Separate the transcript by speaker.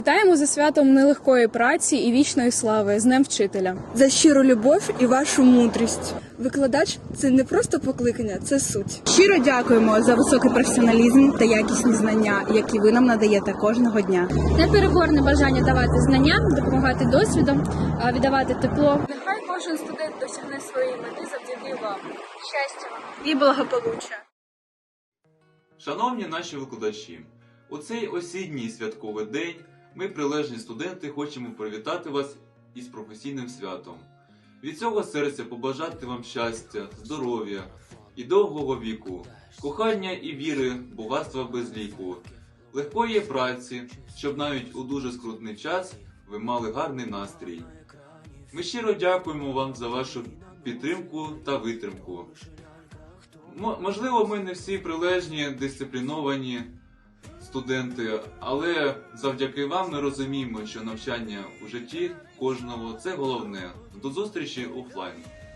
Speaker 1: Вітаємо за святом нелегкої праці і вічної слави, з Днем Вчителя.
Speaker 2: За щиру любов і вашу мудрість. Викладач – це не просто покликання, це суть.
Speaker 3: Щиро дякуємо за високий професіоналізм та якісні знання, які ви нам надаєте кожного дня.
Speaker 4: Непереборне бажання давати знання, допомагати досвідом, віддавати тепло.
Speaker 1: Нехай кожен студент досягне своєї мети завдяки вам. Щастя вам!
Speaker 3: І благополуччя.
Speaker 5: Шановні наші викладачі, у цей осінній святковий день ми, прилежні студенти, хочемо привітати вас із професійним святом. Від цього серця побажати вам щастя, здоров'я і довгого віку, кохання і віри, багатства без ліку, легкої праці, щоб навіть у дуже скрутний час ви мали гарний настрій. Ми щиро дякуємо вам за вашу підтримку та витримку. Можливо, ми не всі прилежні, дисципліновані студенти, але завдяки вам ми розуміємо, що навчання у житті кожного – це головне. До зустрічі офлайн!